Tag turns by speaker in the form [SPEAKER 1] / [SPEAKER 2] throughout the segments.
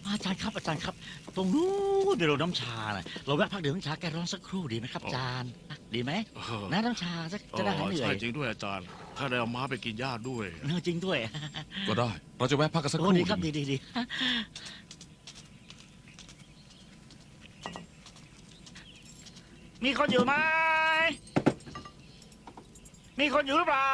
[SPEAKER 1] อาจารย์ครับอาจารย์ครับตรงนู้นเป็นโรงน้ำชาน่ะเราแวะพักดื่มน้ำชาแก้ร้อนสักครู่ดีไหมครับอาจารย์ดีไหมนะน้ำชาสักจะได้หายเหนื่อ
[SPEAKER 2] ใช่
[SPEAKER 1] ย
[SPEAKER 2] จริงด้วยอาจารย์ ถ้าได้เอาม้าไปกินหญ้าด้วย
[SPEAKER 1] จริงด้วย
[SPEAKER 3] ก็ได้ เราจะแวะพักกันสักค
[SPEAKER 1] โอ้
[SPEAKER 3] รู่
[SPEAKER 1] ดีครับ
[SPEAKER 3] หนึ่ง
[SPEAKER 1] ดีมีคนอยู่ไหมมีคนอยู่หรือเปล่า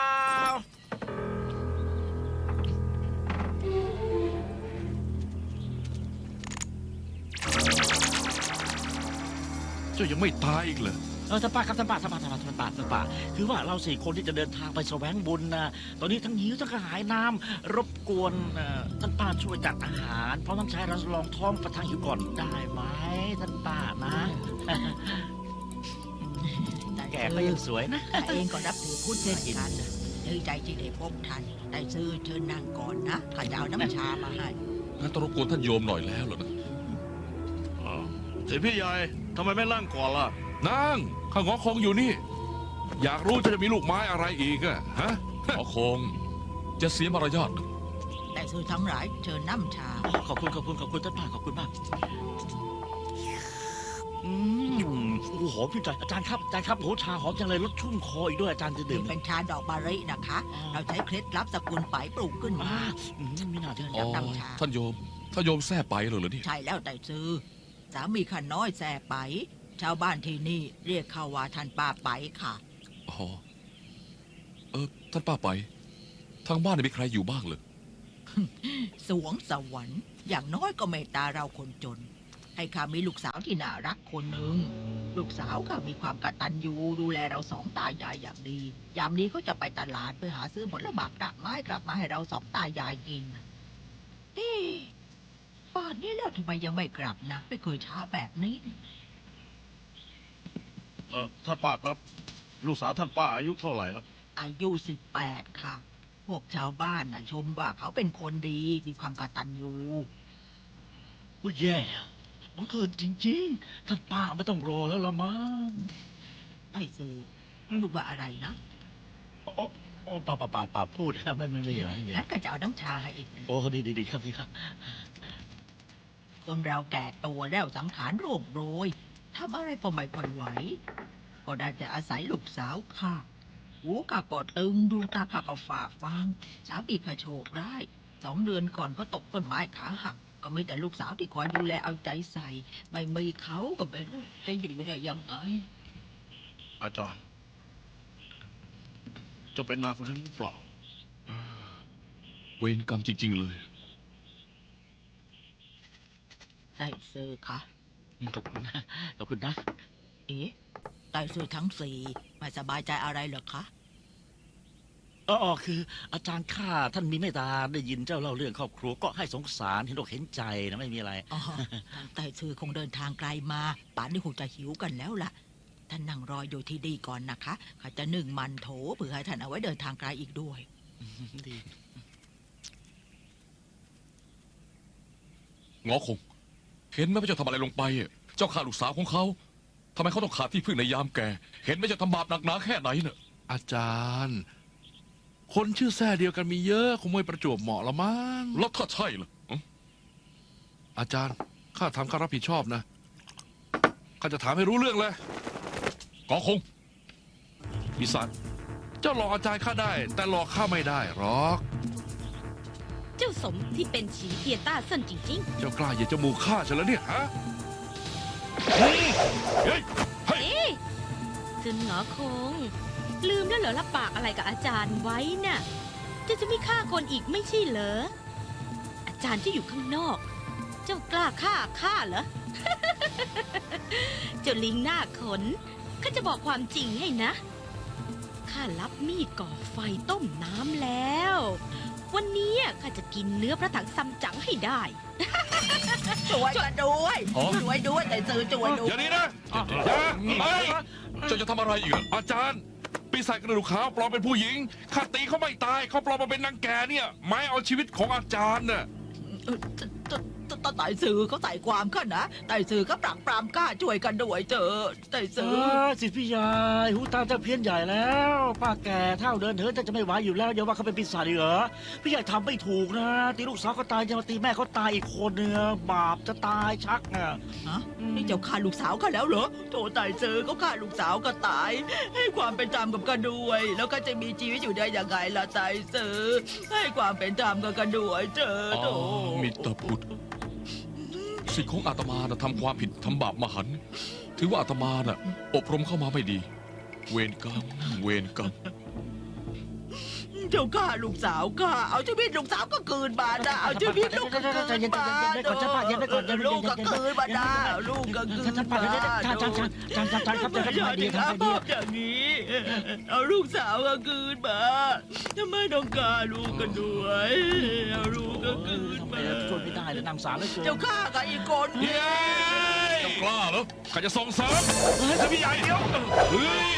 [SPEAKER 3] เจ้ายังไม่ตายอีกเหรอ
[SPEAKER 1] ท่านป้าครับท่านป้าคือว่าเรา4 คนที่จะเดินทางไปแสวงบุญนะตอนนี้ทั้งหิวทั้งกระหายน้ำรบกวนท่านป้าช่วยจัดอาหารเพราะน้ำชายเราลองท้องประทังหิวก่อนได้ไหมท่านป้านะแกก็ยังสวยนะ
[SPEAKER 4] ข้าเองก็นับถือพุทธเช่นกันดีใจที่ได้พบท่านได้ซื้อเชิญนั่งก่อนนะข้าจะเอาน้ำชามาให้
[SPEAKER 3] งั้นต้องรบกวนท่านโยมหน่อยแล้วเหรอนะ
[SPEAKER 2] เสียพี่ใหญ่ทำไมไม่นั่งก่อนล่ะ
[SPEAKER 3] นั่งข้างอคงอยู่นี่ อยากรู้จะมีลูกไม้อะไรอีกอะฮะหอคง จะเสียมารยาทนะ
[SPEAKER 4] ได้ซื้อทั้งหลายเชิญน้ำชา
[SPEAKER 1] ขอบคุณท่านป้าขอบคุณมากโอ้โหหอมพี่ใจอาจารย์ครับโอ้ชาหอมจังเลยรสชุ่มคออีกด้วยอาจารย์จะดื่
[SPEAKER 4] นี่
[SPEAKER 1] ม
[SPEAKER 4] เป็นชาดอกมะลินะคะ เราใช้เคล็ดลับสกุลไปปลูกขึ้นมา
[SPEAKER 1] ไม่น่าถึง
[SPEAKER 4] เชิ
[SPEAKER 3] อ๋อ
[SPEAKER 4] ญน้ำชา
[SPEAKER 3] ท่านโยมแท้ไปเหรอเนี่ย
[SPEAKER 4] ใช่แล้วแต่ซื้อสามีข้าน้อยแส่ไป ชาวบ้านที่นี่เรียกเขาว่าท่านป้าไปค่ะ
[SPEAKER 3] อ๋อท่านป้าไป ทางบ้านมีใครอยู่บ้างเลย
[SPEAKER 4] สวงสวรรค์อย่างน้อยก็เมตตาเราคนจน ให้ข้ามีลูกสาวที่น่ารักคนหนึ่งลูกสาวข้ามีความกตัญญูดูแลเราสองตายายอย่างดียามนี้ก็จะไปตลาดไปหาซื้อผลไม้กลับไม้กลับมาให้เราสองตายายกินนี่ป่านนี้แล้วทำไมยังไม่กลับนะไม่เคยช้าแบบนี้
[SPEAKER 2] ท่านป้าครับ ลูกสาวท่านป้าอายุเท่าไหร่ครับ
[SPEAKER 4] อายุ18ค่ะ พวกชาวบ้านชมว่าเขาเป็นคนดีมีความกตัญญู
[SPEAKER 1] ว่าแย่บังเกิดจริงๆท่านป้าไม่ต้องรอแล้วละมั้ง
[SPEAKER 4] ไอ้ซื้อลูกว่าอะไรนะ
[SPEAKER 1] โอ้ป่าพูดนะไม่มีอะไร
[SPEAKER 4] แล้วก็จะเอาน้ำชาให้อีก
[SPEAKER 1] โอ้ดีครับพี่ครับ
[SPEAKER 4] คนเราแก่ตัวแล้วสังขารโรคโรยทำอะไรก็ไม่ค่อยไหว ก็ได้จะอาศัยลูกสาวข้าหูข้าก็ตึงดูตาข้าก็ฝ่าฟังสามีข้าโชคร้าย2 เดือนก่อนก็ตกต้นไม้ขาหักก็มีแต่ลูกสาวที่คอยดูแลเอาใจใส่ ไม่มีเขาก็ไม่รู้จะอยู่ได้ยังไง
[SPEAKER 2] อาจารย์ จะเป็นนางคนนั้นหรือเปล่า
[SPEAKER 3] เวรกรรมจริง ๆ เลย
[SPEAKER 4] ได้ซื้อค่ะ
[SPEAKER 1] ขอบคุณนะ
[SPEAKER 4] เอ๊ะได้ซื้อทั้ง4ไม่สบายใจอะไรเหรอคะ
[SPEAKER 1] คืออาจารย์ข้าท่านมีเมตตาได้ยินเจ้าเล่าเรื่องครอบครัวก็ให้สงสารเห็นอกเห็นใจนะไม่มีอะไร
[SPEAKER 4] อ๋อทางไต่ซื้อคงเดินทางไกลมา ป่านนี้คงจะหิวกันแล้วล่ะ ท่านนั่งรออยู่ที่ดีก่อนนะคะข้าจะนึ่งมันโถเผื่อให้ท่านเอาไว้เดินทางไกลอีกด้วย
[SPEAKER 1] ดี
[SPEAKER 3] งอคง เห็นไหมว่าเจ้าทำอะไรลงไปอะเจ้าฆ่าลูกสาวของเขาทำไมเขาต้องขาดที่พึ่งในยามแก่ เห็นไหมเจ้าทำบาปหนักหนาแค่ไหนเน่ะ
[SPEAKER 5] อาจารย์ คนชื่อแท้เดียวกันมีเยอะคงไม่ประจวบเหมาะละมั้ง
[SPEAKER 3] แล้วถ้าใช่ล่ะ
[SPEAKER 5] อาจารย์ข้าทำข้ารับผิดชอบนะข้าจะถามให้รู้เรื่องเลย
[SPEAKER 3] งอคง
[SPEAKER 5] ปีศาจเจ้าหลอกอาจารย์ข้าได้ แต่หลอกข้าไม่ได้หรอก
[SPEAKER 6] เจ้าสมที่เป็นฉีเทียต้าเซินจริง
[SPEAKER 5] เจ้ากล้าเหยียดจมูกข้าฉันแล้วเนี่ยฮะ
[SPEAKER 3] เฮ้ย
[SPEAKER 6] ๆ เอ๊ะซึนหงอคง ลืมแล้วเหรอรับปากอะไรกับอาจารย์ไว้น่ะจะไม่ฆ่าคนอีกไม่ใช่เหรอ อาจารย์ที่อยู่ข้างนอก เจ้ากล้าฆ่าเหรอ เจ้าลิงหน้าขนข้าจะบอกความจริงให้นะข้ารับมีดก่อไฟต้มน้ำแล้ว วันนี้ข้าจะกินเนื้อพระถังซัมจั๋งให้ได้
[SPEAKER 4] ช่วยกันด้วย
[SPEAKER 3] อ๋อ
[SPEAKER 4] ช่วยด้วยแต่ซื้อช่วยด้ว
[SPEAKER 5] อย ย่านี้นะอย่าไป
[SPEAKER 3] เจ้าจะทำอะไรอีกอะ
[SPEAKER 5] อาจารย์ ปีศาจกระดูกขาวปลอมเป็นผู้หญิงข้าตีเขาไม่ตายเขาปลอมมาเป็นนางแก่เนี่ยไม้เอาชีวิตของอาจารย์น่ะ
[SPEAKER 4] เออไต่สื่อเขาใส่ความข้านะไต่สื่อก็ปรักปรามกล้าช่วยกันด้วยเถอะไต่สื่อ
[SPEAKER 1] สิพี่ยายหูตาจะเพี้ยนใหญ่แล้วป้าแก่เท่าเดินเหินแต่จะไม่ไหวอยู่แล้วอย่าว่าเขาเป็นปีศาจอีกเหรอพี่ใหญ่ทำไม่ถูกนะตีลูกสาวก็ตายจะมาตีแม่เขาตายอีกคนเนื้บาปจะตายชักอ่ะ
[SPEAKER 4] ฮะนี่เจ้าฆ่าลูกสาวข้าแล้วเหรอโถไต่สื่อเขาฆ่าลูกสาวก็ตาย ให้ความเป็นธรรมกับกันด้วย แล้วก็จะมีชีวิตอยู่ได้ยังไงล่ะไต่สื่อให้ความเป็นธรรมกับกันด้วยเถอะ
[SPEAKER 3] อ๋
[SPEAKER 4] โถ
[SPEAKER 3] อมิตรพุทธสิ่งของอาตมานะทำความผิดทำบาปมหันต์ถือว่าอาตมาน่ะอบรมเข้ามาไม่ดี เวรกรรมเวรกรรม
[SPEAKER 4] เจ้าฆ่าลูกสาวข้าเอาชีวิตลูกสาวก็คืนมานะเอาชีวิตลูกก็คืนมาลูกก็คืนมานะลูกก็คืน
[SPEAKER 1] ท่าน
[SPEAKER 4] มา
[SPEAKER 1] ป้าท่านครับจะทำไงดีทำไงดี
[SPEAKER 4] อย่างนี้ เอาลูกสาวก็คืนมาทำไมต้องฆ่าลูกกันด้วยเอาลูกก็คืน
[SPEAKER 1] ทำไม
[SPEAKER 4] มา
[SPEAKER 1] ช่วยไม่ได้เลยนำสารเลย
[SPEAKER 4] เจ้าฆ่ากับอีกคน
[SPEAKER 3] เย้เจ้ากล้าเหรอข้าจะส่งเสริม
[SPEAKER 2] สิพี่ใหญ่เดี๋ยว
[SPEAKER 3] เฮ้ย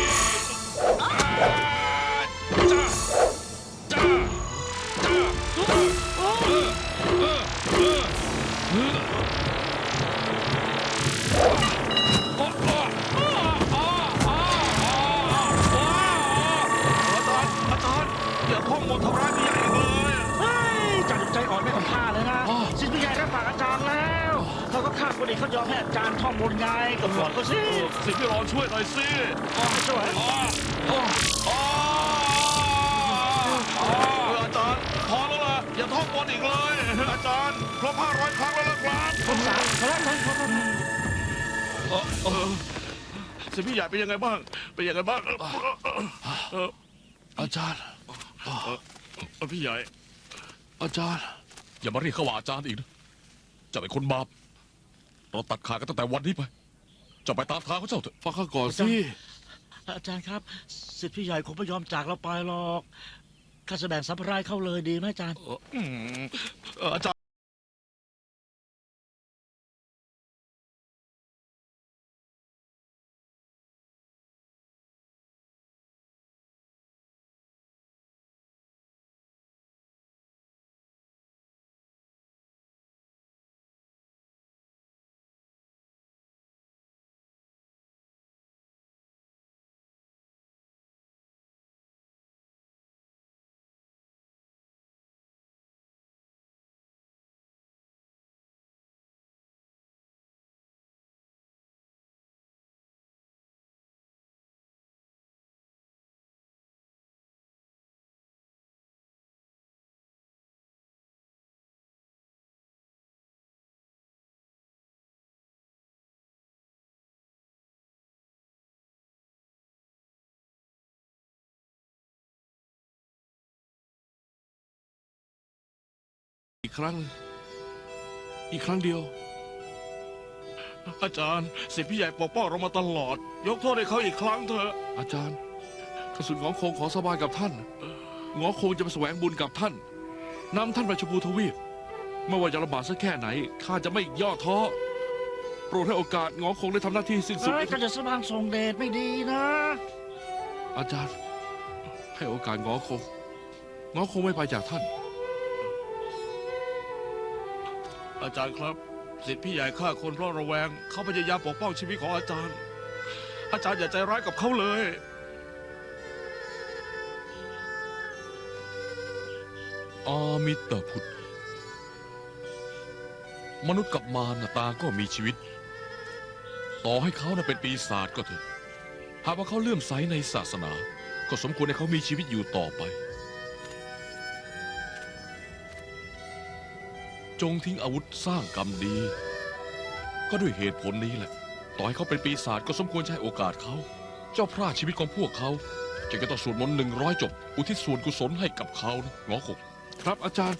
[SPEAKER 2] จ้าจ้าจ้า อาจารย์อย่าท่องบททำร้ายพี่ใหญ่อีกเลย
[SPEAKER 1] จัดใจอ่อนไม่ต้องฆ่าเลยนะสิพี่ใหญ่รับปากอาจารย์แล้วเขาก็ฆ่าคนอื่นเขายอมให้อาจารย์ท่องบนไงกับสอนเขาสิ
[SPEAKER 2] สิพี่รอช่วยหน่อยสิ
[SPEAKER 1] ช่วย
[SPEAKER 2] อาจารย์พอแล้วล่ะอย่าท่องบนอีกเลย อาจารย์ครบ500 ครั้งแล้วนะครับ
[SPEAKER 1] ผมสามเขาแล้ว
[SPEAKER 2] สิพี่ใหญ่เป็นยังไงบ้าง เป็นยังไงบ้าง
[SPEAKER 5] อาจารย์
[SPEAKER 2] พี่ใหญ่
[SPEAKER 5] อาจารย์
[SPEAKER 3] อย่ามาเรียกเขาว่าอาจารย์อีกนะเจ้าเป็นคนบาปเราตัดขาดกันตั้งแต่วันนี้ไปเจ้าไปตามทางของเจ้าเถอะ
[SPEAKER 5] ฟังข้าก่อนสิ
[SPEAKER 1] อาจารย์ครับสิทธิพี่ใหญ่คงไม่ยอมจากเราไปหรอกข้าจะแบ่งสัมภาระเข้าเลยดีไหมอาจารย์
[SPEAKER 2] อาจารย์
[SPEAKER 5] อีกครั้งหนึ่งอีกครั้งเดียว
[SPEAKER 2] อาจารย์สิพี่ใหญ่ปกป้องเรามาตลอด ยกโทษให้เขาอีกครั้งเถอะ
[SPEAKER 5] อาจารย์กระสุนหงอคงขอสบายกับท่านหงอคงจะไปแสวงบุญกับท่านนำท่านไปชมพูทวีปไม่ว่าจะลำบากสักแค่ไหนข้าจะไม่ย่อท้อโปรดให้โอกาสหงอคงได้ทำหน้าที่สิ้นสุด
[SPEAKER 1] เฮ้ยก็จะสร้างทรงเดชไม่ดีนะ
[SPEAKER 5] อาจารย์ ให้โอกาสหงอคงหงอคงไม่ไปจากท่าน
[SPEAKER 2] อาจารย์ครับสิทธิพี่ใหญ่ฆ่าคนเพราะระแวงเขาพยายามปกป้องชีวิตของอาจารย์ อาจารย์อย่าใจร้ายกับเขาเลย
[SPEAKER 3] อามิตรพุทธมนุษย์กับมารน่ะต่างก็มีชีวิต ต่อให้เขาน่ะเป็นปีศาจก็เถอะหากว่าเขาเลื่อมใสในศาสนา ก็สมควรให้เขามีชีวิตอยู่ต่อไป จงทิ้งอาวุธสร้างกรรมดี ก็ด้วยเหตุผลนี้แหละ ต่อให้เขาเป็นปีศาจก็สมควรใช้โอกาสเขา เจ้าพระชีวิตของพวกเขาจะต้องสวดมนต์100 จบ อุทิศส่วนกุศลให้กับเขานะหงอคง
[SPEAKER 5] ครับอาจารย์